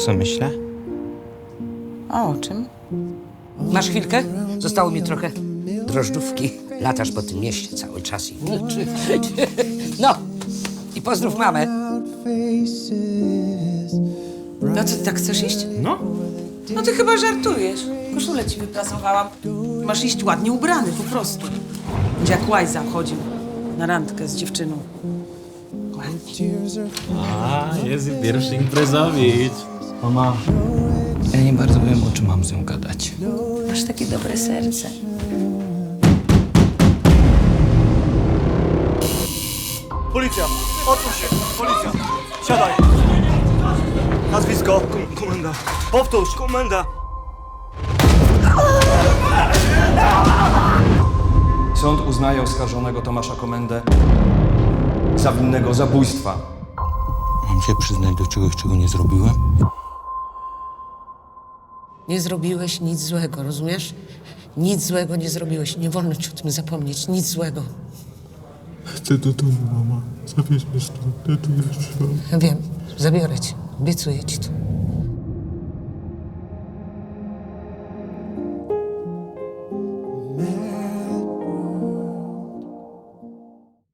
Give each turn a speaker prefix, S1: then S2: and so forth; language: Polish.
S1: co myślę?
S2: O czym?
S3: Masz chwilkę? Zostało mi trochę drożdżówki. Latasz po tym mieście cały czas i milczy. No, i pozdrów mamę.
S2: No co, ty tak chcesz iść?
S1: No.
S2: No ty chyba żartujesz. Koszulę ci wyprasowałam. Masz iść ładnie ubrany, po prostu. Będzie jak łajza chodził na randkę z dziewczyną.
S4: A, jest i pierwszy imprezowicz.
S1: Mama, ja nie bardzo wiem, o czym mam z nią gadać.
S2: Masz takie dobre serce.
S5: Policja! Otwórz się! Policja! Siadaj! Nazwisko? Komenda. Powtórz! Komenda!
S6: Sąd uznaje oskarżonego Tomasza Komendę za winnego zabójstwa.
S1: Mam się przyznać do czegoś, czego nie zrobiłem?
S3: Nie zrobiłeś nic złego, rozumiesz? Nic złego nie zrobiłeś. Nie wolno ci o tym zapomnieć. Nic złego.
S4: Chcę do domu, mama. Zabierz mnie stąd. Ja tu nie wytrzymam.
S3: Ja wiem, zabiorę cię. Obiecuję ci to.